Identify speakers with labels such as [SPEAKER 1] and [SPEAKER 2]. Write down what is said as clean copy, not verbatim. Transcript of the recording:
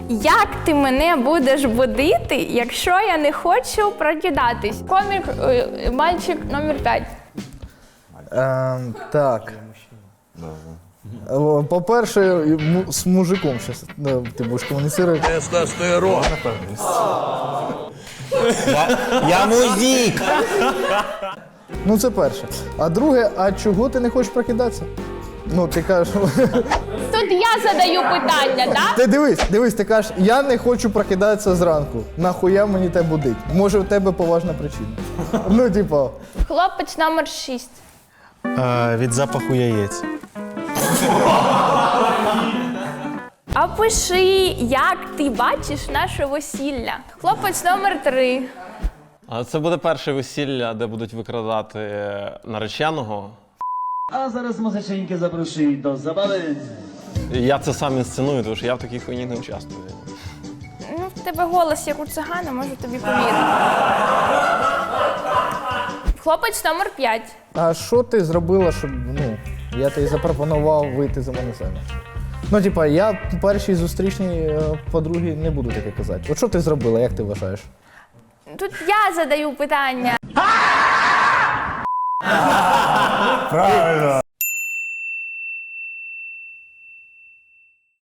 [SPEAKER 1] Як ти мене будеш будити, якщо я не хочу прокидатись? Комік, мальчик номер 5.
[SPEAKER 2] Так. По-перше, з мужиком зараз ти будеш комуніцирувати.
[SPEAKER 3] Тестостерон.
[SPEAKER 4] Я музик!
[SPEAKER 2] Ну це перше. А друге, а чого ти не хочеш прокидатися? Ну, ти кажеш,
[SPEAKER 1] Тут я задаю питання, так?
[SPEAKER 2] ти дивись, ти кажеш, я не хочу прокидатися зранку. Нахуя мені те будить? Може, у тебе поважна причина. Ну, типа.
[SPEAKER 1] Хлопець номер 6.
[SPEAKER 4] Від запаху яєць.
[SPEAKER 1] Опиши, як ти бачиш наше весілля. Хлопець номер 3.
[SPEAKER 5] А це буде перше весілля, де будуть викрадати нареченого.
[SPEAKER 6] A zaraz muzyczynkę zaproszę do zabawy.
[SPEAKER 5] І я це сам інсценую, тому що я в такій хуйні не участвую.
[SPEAKER 1] Ну, в тебе голос як у цигана, можу тобі повірити. Хлопець номер 5.
[SPEAKER 2] А що ти зробила, щоб, я тобі запропонував вийти за мене заміж? Ну, типа, я першій зустрічній подругі не буду таке казати. От що ти зробила, як ти вважаєш?
[SPEAKER 1] Тут я задаю питання.
[SPEAKER 4] Правильно.